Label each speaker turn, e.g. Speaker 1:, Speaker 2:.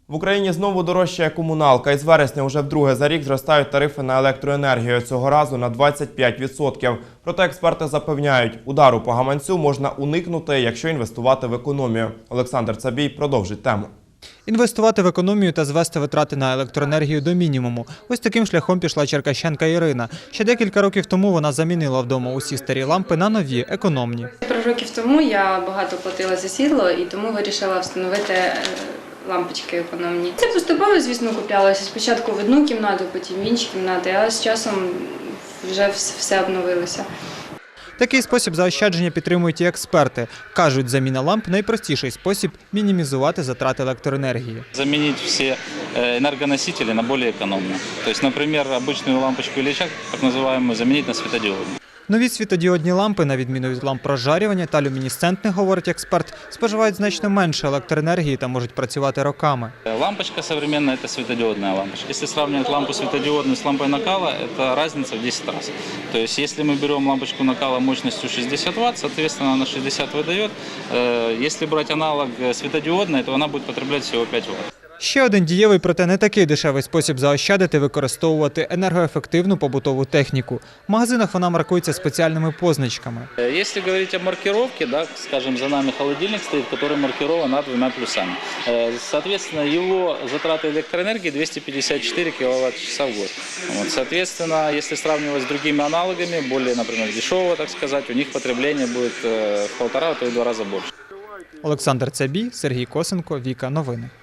Speaker 1: В Україні знову дорожчає комуналка. Із вересня вже вдруге за рік зростають тарифи на електроенергію. Цього разу на 25%. Проте експерти запевняють, удару по гаманцю можна уникнути, якщо інвестувати в економію. Олександр Цабій продовжить тему.
Speaker 2: Інвестувати в економію та звести витрати на електроенергію до мінімуму. Ось таким шляхом пішла черкащанка Ірина. Ще декілька років тому вона замінила вдома усі старі лампи на нові, економні.
Speaker 3: Пару років тому я багато платила за світло і тому вирішила встановити лампочки економні. Це поступово, звісно, куплялося. Спочатку в одну кімнату, потім в інші кімнати, а з часом вже все обновилося.
Speaker 2: Такий спосіб заощадження підтримують і експерти. Кажуть, заміна ламп – найпростіший спосіб мінімізувати затрати електроенергії.
Speaker 4: Заменить все энергоносители на более экономные. То есть, например, обычную лампочку или чак, так называемую, заменить на светодиодную.
Speaker 2: Нові світодіодні лампи, на відміну від ламп розжарювання та люмінесцентних, говорить експерт, споживають значно менше електроенергії та можуть працювати роками.
Speaker 4: Лампочка современная – это светодиодная лампочка. Если сравнивать лампу светодиодную с лампой накала, это разница в 10 раз. То есть, если мы берем лампочку накала мощностью 60 Вт, соответственно, она 60 выдает. Если брать аналог светодиодной, то она будет потреблять всего 5 Вт.
Speaker 2: Ще один дієвий, проте не такий дешевий спосіб заощадити – використовувати енергоефективну побутову техніку. В магазинах вона маркується спеціальними позначками.
Speaker 4: Если говорить о маркировке, да, скажем, за нами холодильник стоит, который маркирован двумя плюсами. Соответственно, его затраты электроэнергии 254 кВт-часа в год. Вот, соответственно, если сравнивать с другими аналогами, более, например, дешевого, так сказать, у них потребление будет в 1,5-2 раза больше.
Speaker 2: Олександр Цабій, Сергій Косенко, Віка Новини.